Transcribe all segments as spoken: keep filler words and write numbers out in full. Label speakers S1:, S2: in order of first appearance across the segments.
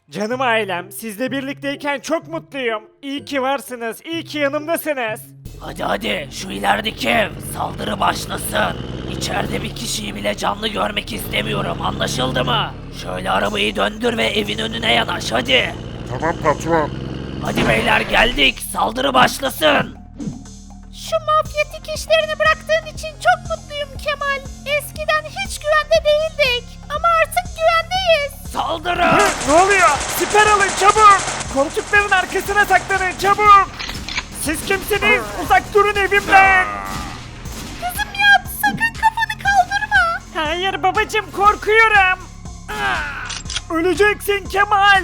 S1: Canım ailem, sizle birlikteyken çok mutluyum. İyi ki varsınız, iyi ki yanımdasınız.
S2: Hadi hadi şu ilerideki ev saldırı başlasın. İçeride bir kişiyi bile canlı görmek istemiyorum, anlaşıldı mı? Şöyle arabayı döndür ve evin önüne yanaş hadi.
S3: Tamam patron.
S2: Hadi beyler geldik, saldırı başlasın.
S4: Şu mafyatik işlerini bıraktığın için çok mutluyum Kemal. Eskiden hiç güvende değildik. Ama artık güvendeyiz.
S2: Saldırı!
S1: Ne oluyor? Siper alın çabuk! Koltukların arkasına saklanın çabuk! Siz kimsiniz? Uzak durun evimden!
S4: Kızım yat, sakın kafanı kaldırma.
S1: Hayır babacım, korkuyorum! Öleceksin Kemal!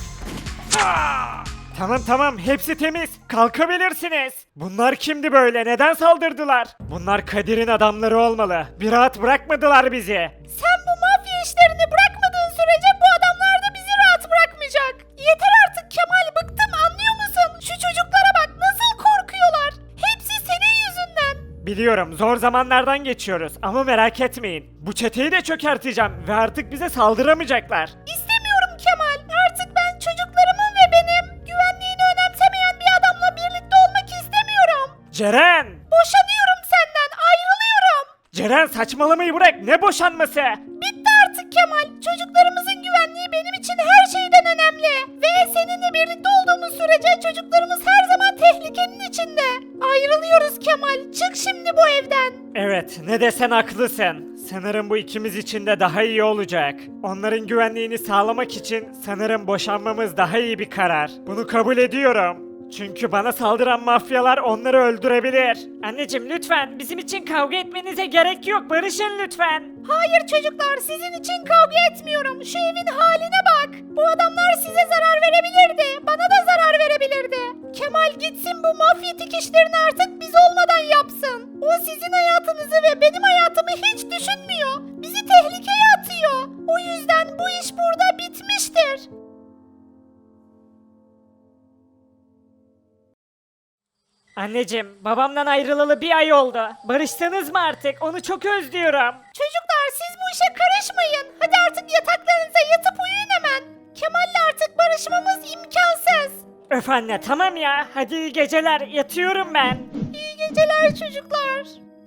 S1: Tamam tamam, hepsi temiz. Kalkabilirsiniz. Bunlar kimdi böyle? Neden saldırdılar? Bunlar Kadir'in adamları olmalı. Bir rahat bırakmadılar bizi.
S4: Sen bu mafya işlerini bırakmadığın sürece bu adamlar da bizi rahat bırakmayacak. Yeter artık Kemal, bıktım, anlıyor musun? Şu çocuklara bak, nasıl korkuyorlar. Hepsi senin yüzünden.
S1: Biliyorum, zor zamanlardan geçiyoruz ama merak etmeyin. Bu çeteyi de çökerteceğim ve artık bize saldıramayacaklar.
S4: İstemiyorum Kemal. Artık ben çocuklarımın ve benim güvenliğini önemsemeyen bir adamla birlikte olmak istemiyorum.
S1: Ceren!
S4: Boşanıyorum senden, ayrılıyorum.
S1: Ceren saçmalamayı bırak, ne boşanması?
S4: Bitti artık Kemal. Çocuklarımızın güvenliği benim için her şeyden önemli. Ve seninle birlikte olduğumuz sürece çocuklarımız her zaman tehlikenin içinde. Ayrılıyoruz Kemal. Çık şimdi bu evden.
S1: Evet, ne desen haklısın. Sanırım bu ikimiz için de daha iyi olacak. Onların güvenliğini sağlamak için sanırım boşanmamız daha iyi bir karar. Bunu kabul ediyorum. Çünkü bana saldıran mafyalar onları öldürebilir. Anneciğim lütfen, bizim için kavga etmenize gerek yok. Barışın lütfen.
S4: Hayır çocuklar, sizin için kavga etmiyorum. Şu evin haline bak. Bu adamlar size zarar verebilirdi. Bana da zarar verebilirdi. Kemal gitsin, bu mafyatik işlerini artık biz olmadan yapsın. O sizin hayatınızı ve benim hayatımı hiç düşünmüyor. Bizi tehlikeye atıyor. O yüzden bu iş burada bitmiştir.
S1: Anneciğim, babamdan ayrılalı bir ay oldu. Barıştınız mı artık? Onu çok özlüyorum.
S4: Çocuklar siz bu işe karışmayın. Hadi artık yataklarınıza yatıp uyuyun hemen. Kemal'le artık barışmamız imkansız.
S1: Öf anne, tamam ya. Hadi iyi geceler. Yatıyorum ben.
S4: İyi geceler çocuklar.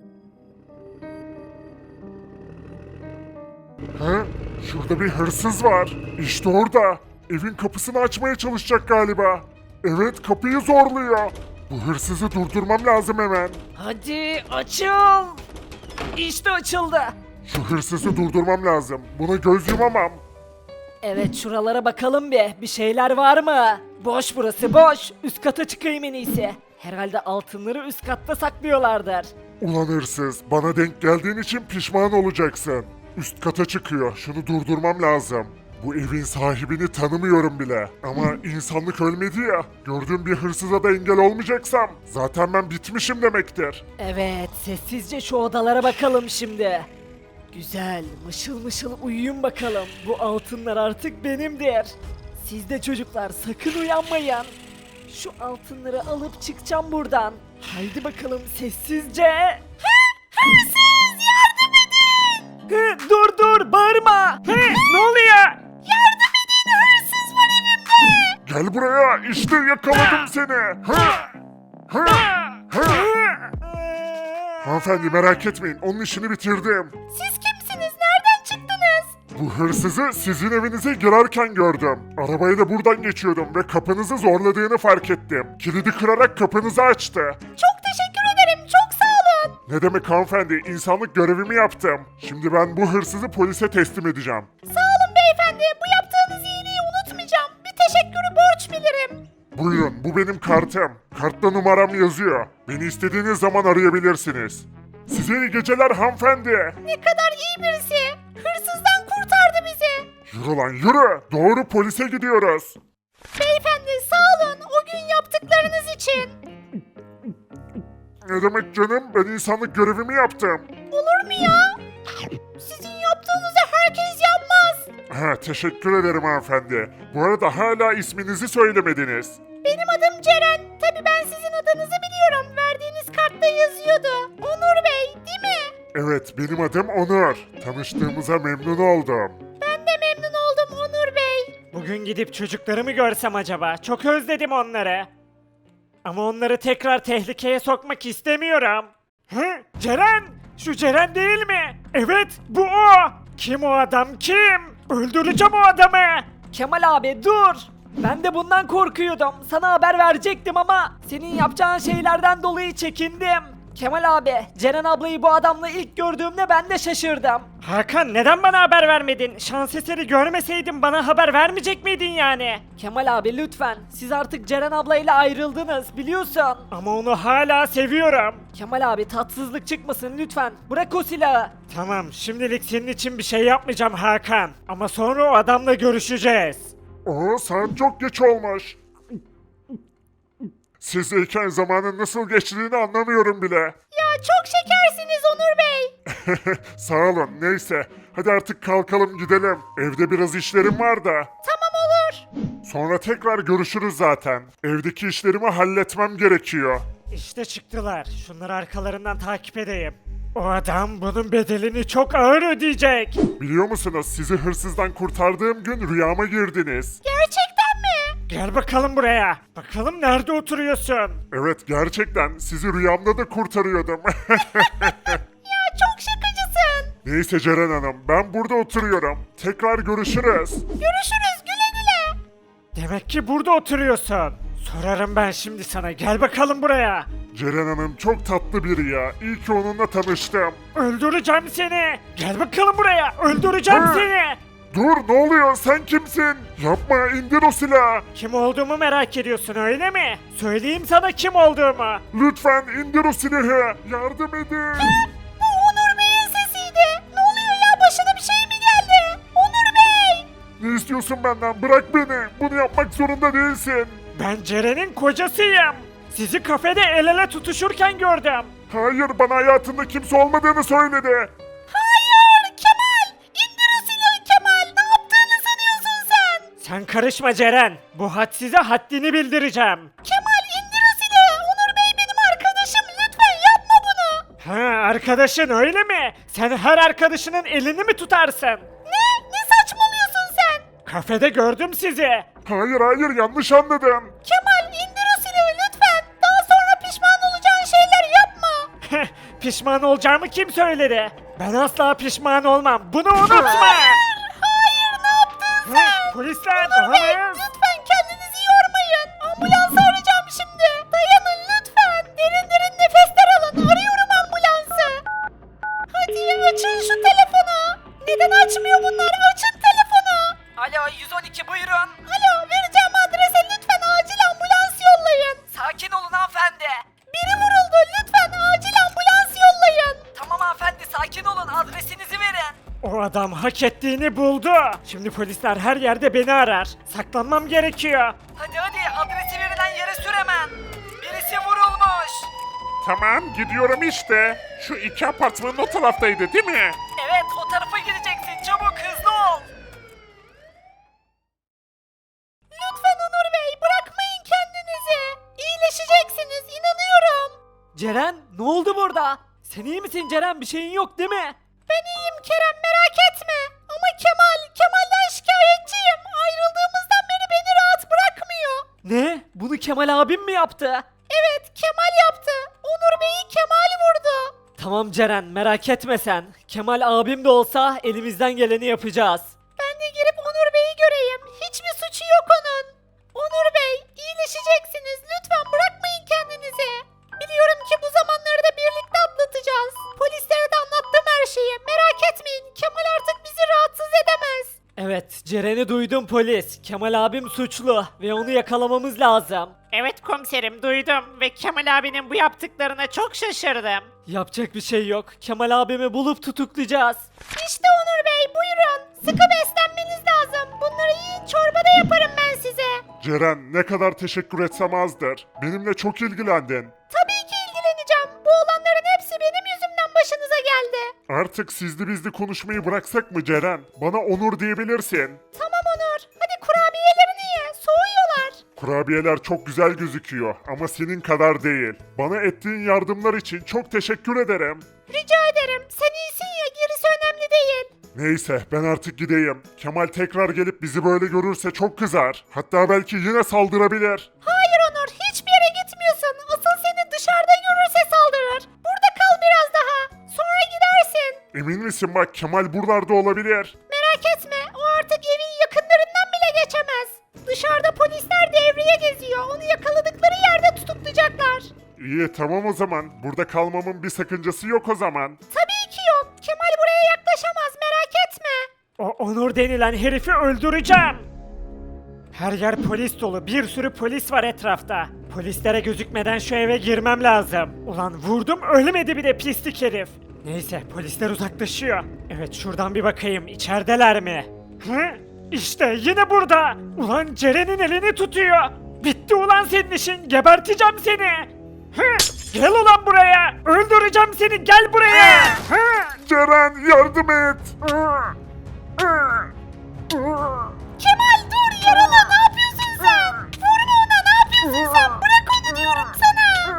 S3: He? Şurada bir hırsız var. İşte orada. Evin kapısını açmaya çalışacak galiba. Evet, kapıyı zorluyor. Bu hırsızı durdurmam lazım hemen.
S1: Hadi açıl. İşte açıldı.
S3: Şu hırsızı durdurmam lazım. Buna göz yumamam.
S1: Evet, şuralara bakalım bir. Bir şeyler var mı? Boş burası, boş. Üst kata çıkayım en iyisi. Herhalde altınları üst katta saklıyorlardır.
S3: Ulan hırsız, bana denk geldiğin için pişman olacaksın. Üst kata çıkıyor. Şunu durdurmam lazım. Bu evin sahibini tanımıyorum bile. Ama insanlık ölmedi ya. Gördüğüm bir hırsıza da engel olmayacaksam zaten ben bitmişim demektir.
S1: Evet, sessizce şu odalara bakalım şimdi. Güzel, mışıl mışıl uyuyun bakalım. Bu altınlar artık benimdir. Siz de çocuklar sakın uyanmayın. Şu altınları alıp çıkacağım buradan. Haydi bakalım sessizce.
S4: Hırsız, yardım edin.
S1: Hı, dur dur, bağırma. Hı, ne oluyor?
S4: Yardım edin, hırsız var evimde.
S3: Gel buraya, işte yakaladım seni. Hı! Hı! Hı! Hanımefendi merak etmeyin, onun işini bitirdim.
S4: Siz kimsiniz? Nereden çıktınız?
S3: Bu hırsızı sizin evinize girerken gördüm. Arabayı da buradan geçiyordum ve kapınızı zorladığını fark ettim. Kilidi kırarak kapınızı açtı.
S4: Çok teşekkür ederim. Çok sağ olun.
S3: Ne demek hanımefendi, insanlık görevimi yaptım. Şimdi ben bu hırsızı polise teslim edeceğim.
S4: Sağ olun beyefendi. Bu yaptığınız iyiliği unutmayacağım. Bir teşekkürü borç bilirim.
S3: Buyurun, bu benim kartım. Kartta numaram yazıyor. Beni istediğiniz zaman arayabilirsiniz. Size iyi geceler hanımefendi.
S4: Ne kadar iyi birisi. Hırsızdan kurtardı bizi.
S3: Yürü lan yürü. Doğru polise gidiyoruz.
S4: Beyefendi sağ olun o gün yaptıklarınız için.
S3: Ne demek canım? Ben insanlık görevimi yaptım.
S4: Olur mu ya? Sizin yaptığınızı herkes yapmaz.
S3: Ha, teşekkür ederim hanımefendi. Bu arada hala isminizi söylemediniz.
S4: Benim adım Ceren. Tabii ben sizin adınızı biliyorum. Verdiğiniz kartta yazıyordu. Onur Bey değil mi?
S3: Evet, benim adım Onur. Tanıştığımıza memnun oldum.
S4: Ben de memnun oldum Onur Bey.
S1: Bu Bugün gidip çocuklarımı görsem acaba? Çok özledim onları. Ama onları tekrar tehlikeye sokmak istemiyorum. Hı? Ceren! Şu Ceren değil mi? Evet, bu o! Kim o adam, kim? Öldüreceğim o adamı!
S5: Kemal abi dur. Ben de bundan korkuyordum. Sana haber verecektim ama senin yapacağın şeylerden dolayı çekindim. Kemal abi, Ceren ablayı bu adamla ilk gördüğümde ben de şaşırdım.
S1: Hakan neden bana haber vermedin? Şans eseri görmeseydin bana haber vermeyecek miydin yani?
S5: Kemal abi lütfen. Siz artık Ceren ablayla ayrıldınız biliyorsun.
S1: Ama onu hala seviyorum.
S5: Kemal abi tatsızlık çıkmasın lütfen. Bırak o silahı.
S1: Tamam, şimdilik senin için bir şey yapmayacağım Hakan. Ama sonra o adamla görüşeceğiz.
S3: Oo, saat çok geç olmuş. Sizdeyken zamanın nasıl geçtiğini anlamıyorum bile.
S4: Ya çok şekersiniz Onur Bey.
S3: Sağ olun, neyse. Hadi artık kalkalım gidelim. Evde biraz işlerim var da.
S4: Tamam olur.
S3: Sonra tekrar görüşürüz zaten. Evdeki işlerimi halletmem gerekiyor.
S1: İşte çıktılar. Şunları arkalarından takip edeyim. O adam bunun bedelini çok ağır ödeyecek.
S3: Biliyor musunuz, sizi hırsızdan kurtardığım gün rüyama girdiniz.
S4: Gerçekten mi?
S1: Gel bakalım buraya. Bakalım nerede oturuyorsun?
S3: Evet, gerçekten sizi rüyamda da kurtarıyordum.
S4: Ya çok şakacısın.
S3: Neyse Ceren Hanım, ben burada oturuyorum. Tekrar görüşürüz.
S4: Görüşürüz güle güle.
S1: Demek ki burada oturuyorsun. Sorarım ben şimdi sana. Gel bakalım buraya.
S3: Ceren Hanım çok tatlı biri ya. İyi ki onunla tanıştım.
S1: Öldüreceğim seni. Gel bakalım buraya. Öldüreceğim
S3: Hı.
S1: seni.
S3: Dur, ne oluyor, sen kimsin? Yapma, indir o silahı.
S1: Kim olduğumu merak ediyorsun öyle mi? Söyleyeyim sana kim olduğumu.
S3: Lütfen indir o silahı. Yardım edin.
S4: Bu Onur Bey'in sesiydi. Ne oluyor ya başına bir şey mi geldi? Onur Bey.
S3: Ne istiyorsun benden? Bırak beni. Bunu yapmak zorunda değilsin.
S1: Ben Ceren'in kocasıyım. Sizi kafede el ele tutuşurken gördüm.
S3: Hayır, bana hayatında kimse olmadığını söyledi.
S4: Hayır Kemal. İndir o silahı Kemal. Ne yaptığını sanıyorsun sen?
S1: Sen karışma Ceren. Bu had size haddini bildireceğim.
S4: Kemal indir o silahı. Onur Bey benim arkadaşım. Lütfen yapma bunu.
S1: Ha, arkadaşın öyle mi? Sen her arkadaşının elini mi tutarsın?
S4: Ne? Ne saçmalıyorsun sen?
S1: Kafede gördüm sizi.
S3: Hayır hayır, yanlış anladın.
S4: Kemal indir o silahı lütfen. Daha sonra pişman olacağın şeyler yapma.
S1: Pişman olacağımı kim söyledi? Ben asla pişman olmam. Bunu unutma.
S4: Hayır ne yaptın sen?
S1: Polisler,
S4: Onur Bey
S1: olamaz.
S4: lütfen kendinizi yormayın. Ambulansı arayacağım şimdi. Dayanın lütfen. Derin derin nefesler alın. Arıyorum ambulansı. Hadi açın şu telefonu. Neden açmıyor bunlar? Açın telefonu.
S5: Alo yüz on iki buyurun.
S4: Alo vereceğim adrese lütfen acil ambulans yollayın.
S5: Sakin olun hanımefendi.
S4: Biri vuruldu lütfen acil ambulans yollayın.
S5: Tamam hanımefendi sakin olun adresinizi verin.
S1: O adam hak ettiğini buldu. Şimdi polisler her yerde beni arar. Saklanmam gerekiyor.
S5: Hadi hadi adresi verilen yere sür hemen. Birisi vurulmuş.
S3: Tamam, gidiyorum işte. Şu iki apartmanın o taraftaydı değil mi?
S5: Evet o tarafa gideceksin çabuk hızlı ol.
S4: Lütfen Onur Bey bırakmayın kendinizi. İyileşeceksiniz inanıyorum.
S5: Ceren ne oldu burada? Sen iyi misin Ceren bir şeyin yok değil mi?
S4: Ben iyiyim Kerem merak etme. Ama Kemal, Kemal'den şikayetçiyim. Ayrıldığımızdan beri beni rahat bırakmıyor.
S5: Ne? Bunu Kemal abim mi yaptı?
S4: Evet Kemal yaptı. Onur Bey'i Kemal vurdu.
S5: Tamam Ceren merak etme sen. Kemal abim de olsa elimizden geleni yapacağız.
S4: Ben de girip Onur Bey'i göreyim. Hiçbir suçu yok onun. Onur Bey iyileşeceksiniz. Lütfen bırakmayın kendinizi. Biliyorum ki bu zamanları da birlikte atlatacağız. Polislere de anlattım her şeyi. Merak etmeyin. Kemal artık bizi rahatsız edemez.
S5: Evet Ceren'i duydum polis. Kemal abim suçlu ve onu yakalamamız lazım.
S1: Evet komiserim duydum ve Kemal abinin bu yaptıklarına çok şaşırdım.
S5: Yapacak bir şey yok. Kemal abimi bulup tutuklayacağız.
S4: İşte Onur Bey buyurun. Sıkı beslenmeniz lazım. Bunları yiyin çorba da yaparım ben size.
S3: Ceren, ne kadar teşekkür etsem azdır. Benimle çok ilgilendin.
S4: Tabii ki ilgileneceğim. Bu olanların hepsi benim yüzümden başınıza geldi.
S3: Artık sizli bizli konuşmayı bıraksak mı Ceren? Bana Onur diyebilirsin.
S4: Tamam Onur. Hadi kurabiyelerini ye. Soğuyorlar.
S3: Kurabiyeler çok güzel gözüküyor ama senin kadar değil. Bana ettiğin yardımlar için çok teşekkür ederim.
S4: Rica ederim. Sen iyisin ya gerisi önemli değil.
S3: Neyse ben artık gideyim. Kemal tekrar gelip bizi böyle görürse çok kızar. Hatta belki yine saldırabilir.
S4: Hayır Onur, hiçbir yere gitmiyorsun. Asıl seni dışarıda görürse saldırır. Burada kal biraz daha. Sonra gidersin.
S3: Emin misin bak Kemal buralarda olabilir.
S4: Merak etme, o artık evin yakınlarından bile geçemez. Dışarıda polisler devreye geziyor. Onu yakaladıkları yerde tutuklayacaklar.
S3: İyi tamam o zaman. Burada kalmamın bir sakıncası yok o zaman.
S4: Tabii ki yok. Kemal buraya yaklaşamaz, merak etme.
S1: O Onur denilen herifi öldüreceğim. Her yer polis dolu. Bir sürü polis var etrafta. Polislere gözükmeden şu eve girmem lazım. Ulan vurdum ölmedi bir de pislik herif. Neyse polisler uzaklaşıyor. Evet şuradan bir bakayım içerideler mi? Hı? İşte yine burada. Ulan Ceren'in elini tutuyor. Bitti ulan senin işin. Geberteceğim seni. Hı? Gel ulan buraya. Öldüreceğim seni. Gel buraya. Hı?
S3: Ceren yardım et.
S4: Kemal dur, yaralı, ne yapıyorsun sen? Vurma ona, ne yapıyorsun sen? Bırak onu diyorum sana.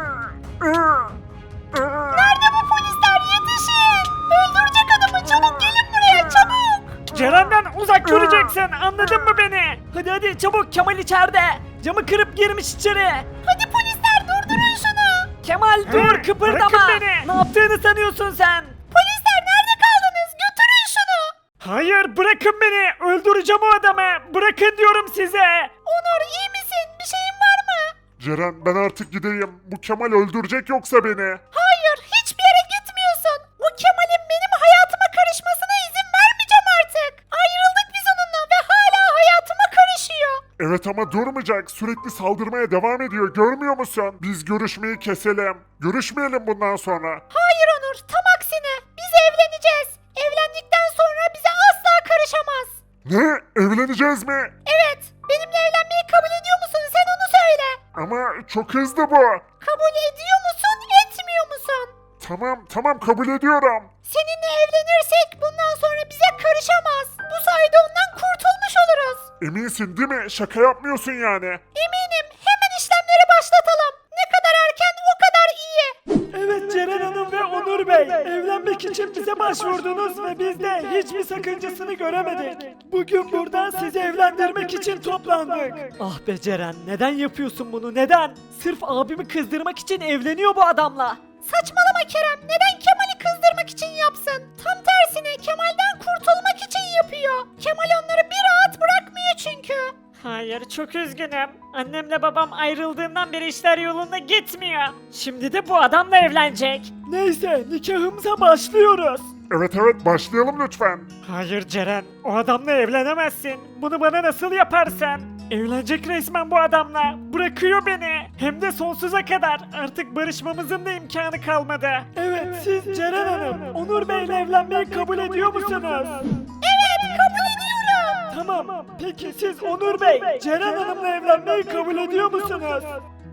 S4: Nerede bu polisler, yetişin. Öldürecek adamı, çabuk gelin buraya, çabuk.
S1: Ceren'den uzak duracaksın. Anladın mı beni?
S5: Hadi hadi çabuk, Kemal içeride. Camı kırıp girmiş içeri.
S4: Hadi polisler, durdurun şunu.
S5: Kemal dur, kıpırdama.
S1: bırakın beni.
S5: Ne yaptığını sanıyorsun sen?
S4: Polisler nerede kaldınız? Götürün şunu.
S1: Hayır bırakın beni. Öldüreceğim o adamı. Bırakın diyorum size.
S4: Onur iyi misin? Bir şeyin var mı?
S3: Ceren ben artık gideyim. Bu Kemal öldürecek yoksa beni.
S4: Hayır, hiçbir yere gitmiyorsun. O Kemal'in benim hayatıma karışmasına izin vermeyeceğim artık. Ayrıldık biz onunla ve hala hayatıma karışıyor.
S3: Evet ama durmayacak. Sürekli saldırmaya devam ediyor. Görmüyor musun? Biz görüşmeyi keselim. Görüşmeyelim bundan sonra.
S4: Hayır Onur, tam aksine. Biz evleneceğiz. Evlendikten sonra bize asla karışamaz.
S3: Ne? Evleneceğiz mi?
S4: Evet, benimle evlenmeyi kabul ediyor musun? Sen onu söyle.
S3: Ama çok hızlı bu.
S4: Kabul ediyor musun, etmiyor musun?
S3: Tamam tamam kabul ediyorum.
S4: Seninle evlenirsek bundan sonra bize karışamaz. Bu sayede ondan kurtulmuş oluruz.
S3: Eminsin değil mi? Şaka yapmıyorsun yani.
S4: Eminim. Hemen işlemleri başlatalım. Ne kadar erken o kadar iyi.
S1: Evet Ceren Hanım ve Onur Bey. Evlenmek için bize başvurdunuz ve biz de hiçbir sakıncasını göremedik. Bugün burada sizi evlendirmek için toplandık.
S5: Ah be Ceren, neden yapıyorsun bunu, neden? Sırf abimi kızdırmak için evleniyor bu adamla.
S4: Saçmalama Kerem. Neden Kemal'i kızdırmak için yapsın? Tam tersine Kemal'den kurtulmak için yapıyor. Kemal onları bir rahat bırakmıyor çünkü.
S1: Hayır çok üzgünüm. Annemle babam ayrıldığından beri işler yolunda gitmiyor. Şimdi de bu adamla evlenecek.
S5: Neyse, nikahımıza başlıyoruz.
S3: Evet evet başlayalım lütfen.
S1: Hayır Ceren, o adamla evlenemezsin. Bunu bana nasıl yaparsın? Evlenecek resmen bu adamla. Bırakıyor beni. Hem de sonsuza kadar. Artık barışmamızın da imkanı kalmadı.
S5: Evet, siz Ceren Hanım, Onur Bey'le evlenmeyi kabul ediyor musunuz?
S4: Evet, kabul ediyorum.
S5: Tamam, peki siz Onur Bey, Ceren Hanım'la evlenmeyi kabul ediyor musunuz?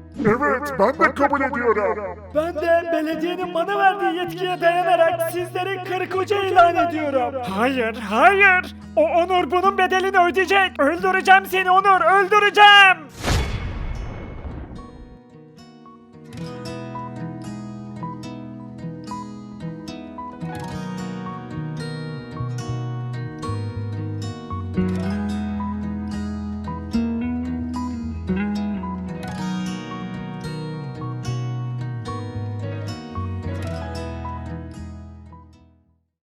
S3: Evet ben de kabul ediyorum.
S5: Ben de belediyenin bana verdiği yetkiye dayanarak sizleri karı koca ilan ediyorum.
S1: Hayır, hayır. O Onur bunun bedelini ödeyecek. Öldüreceğim seni Onur, öldüreceğim.
S3: Ceren